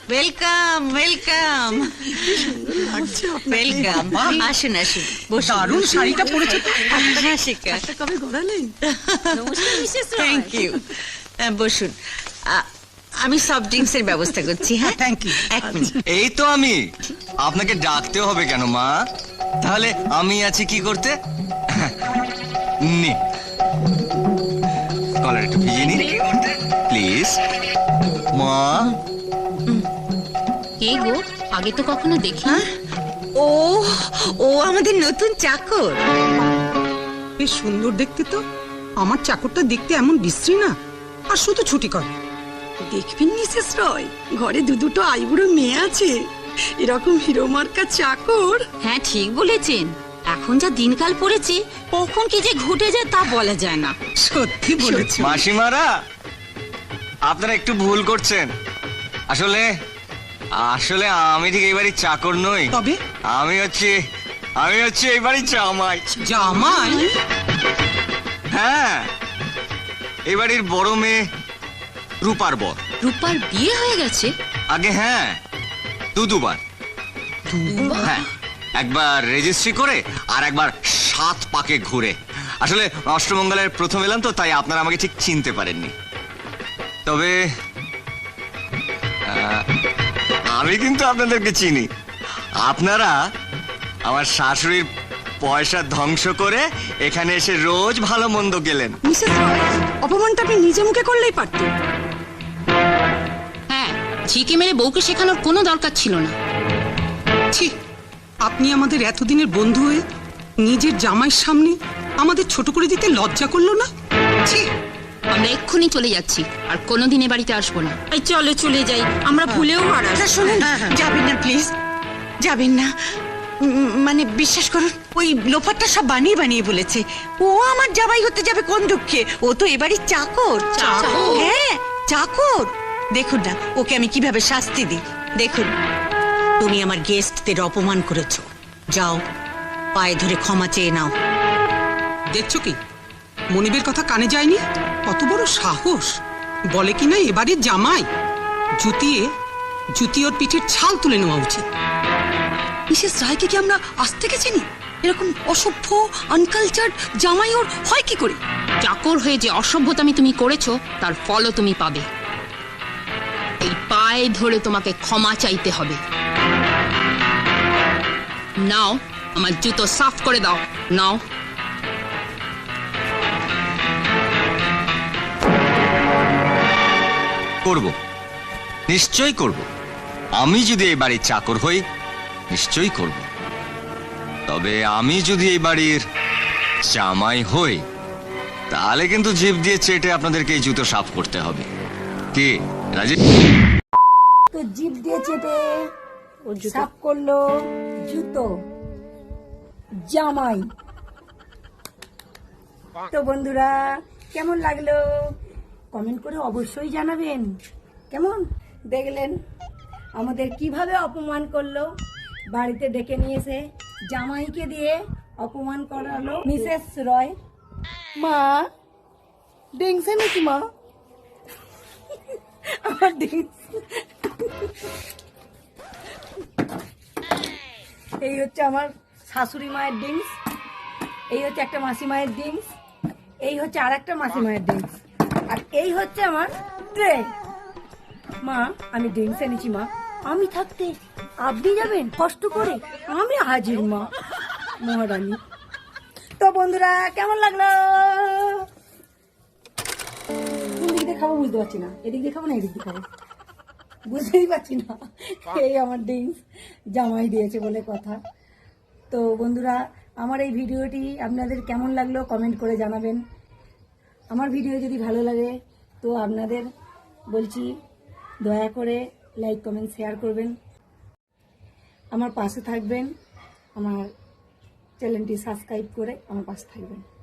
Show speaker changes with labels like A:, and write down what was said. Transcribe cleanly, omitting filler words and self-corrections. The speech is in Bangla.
A: Welcome welcome welcome. আসুন আসুন,
B: দারুণ শাড়িটা পরেছো তো।
A: হ্যাঁ শিখা,
B: কবে গড়ালেন?
A: Thank you. বসুন, আমি সফট ড্রিঙ্কস এর ব্যবস্থা করছি। হ্যাঁ
B: থ্যাংক ইউ।
A: এক মিনিট।
C: এই তো আমি। আপনাকে ডাকতে হবে কেন মা? তাহলে আমি আছি কি করতে? নে, কলার একটু ভিজিয়ে নি প্লিজ। মা,
D: কে গো? আগে তো কখনো দেখি।
A: ও ও আমাদের নতুন চাকর।
B: বেশ সুন্দর দেখতে তো। আমার চাকরটা দেখতে এমন বিশ্রী না, আর শুধু ছুটি করে।
E: দেখবেন মিসেস রয়, ঘরে দুটো আইবুড়ো মেয়ে আছে, এরকম হিরো মার্কা চাকর।
D: হ্যাঁ ঠিক বলেছেন, এখন যা দিনকাল পড়েছে কখন কি যে ঘটে যায় তা বলা যায় না।
B: সত্যি বলেছো।
C: মাসিমারা, আপনারা একটু ভুল করছেন। আসলে আসলে আমি ঠিক এই বাড়ির চাকর নই।
B: তবে
C: আমি হচ্ছে এই বাড়ির জামাই।
B: জামাই?
C: হ্যাঁ, এই বাড়ির বড় মেয়ে রূপার বর।
D: রূপার বিয়ে হয়ে গেছে?
C: আগে হ্যাঁ, দুবার। হ্যাঁ, একবার রেজিস্ট্রি করে আর একবার 7 পাকে ঘুরে। আসলে অষ্টমঙ্গলের প্রথম এলাম তো, তাই আপনারা আমাকে ঠিক চিনতে পারেননি। তবে আমি কিন্তু আপনাদেরকে চিনি। আপনারা আমার শাশুড়ির পয়সা ধ্বংস করে এখানে এসে রোজ ভালো মন্দ গেলেন।
E: মিসেস রয়, অপমানটা আপনি নিজে মুখে করলেই পারতেন।
D: হ্যাঁ, ঝিকে মেরে বউকে শেখানোর কোনো দরকার ছিল না।
B: ছি, আপনি আমাদের এতদিনের বন্ধু হয়ে নিজের জামাইয়ের সামনে আমাদের ছোট করে দিতে লজ্জা করলো না? ছি।
D: আমরা এক্ষুনি চলে যাচ্ছি, আর কোনোদিন এ বাড়িতে আসবো না।
E: এই চলে চলে যাই, আমরা ভুলেও আর
A: না শুনুন, যাবেন না প্লিজ, যাবেন না। মানে বিশ্বাস করুন, ওই লোফারটা সব বানিয়ে বানিয়ে বলেছে। ও আমার জামাই হতে যাবে কোন দুঃখে? ও তো এবারই চাকর।
D: চাকর?
A: হ্যাঁ চাকর। দেখুন না ওকে আমি কিভাবে শাস্তি দিই। দেখুন, তুমি আমার গেস্টদের অপমান করেছো, যাও পায়ে ধরে ক্ষমা চেয়ে নাও।
B: দেখছো কি, মনিবের কথা কানে যায়নি? কত বড় সাহস! বলে কিনা এবারের জামাই। জুতি ওর পিঠের ছাল তুলে নেওয়া উচিত।
E: মিসেস রায়কে কি আমরা আজ থেকে চিনি? এরকম অসভ্য আনকালচার্ড জামাই ওর হয় কি করে?
D: চাকর হয়ে যে অসভ্যতামি তুমি করেছো তার ফলও তুমি পাবে। এই পায়ে ধরে তোমাকে ক্ষমা চাইতে হবে। নাও, আমার জুতো সাফ করে দাও। নাও।
C: করব, নিশ্চয়ই করব। আমি যদি এই বাড়ির চাকর হই নিশ্চয়ই করব। তবে আমি যদি এই বাড়ির জামাই হই তাহলে কিন্তু জিভ দিয়ে চেটে আপনাদেরকে এই জুতো সাফ করতে হবে। কি রাজি?
F: তো জিভ দিয়ে চেপে সাফ করলো জুতো জামাই। তো বন্ধুরা, কেমন লাগলো কমেন্ট করে অবশ্যই জানাবেন। কেমন দেখলেন আমাদের কিভাবে অপমান করলো? বাড়িতে ডেকে নিয়েছে, জামাইকে দিয়ে অপমান করালো মিসেস রয়। মা ডেংসে নাকি মা? আমার ডেংস। এই হচ্ছে আমার শাশুড়ি মায়ের ড্রিঙ্কস, এই হচ্ছে একটা মাসি মায়ের ড্রিঙ্কস, এই হচ্ছে আর একটা মাসি মায়ের ড্রিঙ্কস, আর এই হচ্ছে আমার ট্রে। মা আমি ড্রিঙ্কস এনেছি মা, আমি থাকতে আপনি যাবেন কষ্ট করে? আমি হাজির মা, মহারানী। তো বন্ধুরা কেমন লাগলো? কোন দিক দিয়ে খাবো বুঝতে পারছি না, এদিক দিয়ে খাবো না এদিক দিয়ে খাবো বুঝতেই পারছি না। এই আমার ড্রিঙ্কস জামাই দিয়েছে বলে কথা। তো বন্ধুরা, আমার এই ভিডিওটি আপনাদের কেমন লাগলো কমেন্ট করে জানাবেন। আমার ভিডিও যদি ভালো লাগে তো আপনাদের বলছি দয়া করে লাইক কমেন্ট শেয়ার করবেন, আমার পাশে থাকবেন, আমার চ্যানেলটি সাবস্ক্রাইব করে আমার পাশে থাকবেন।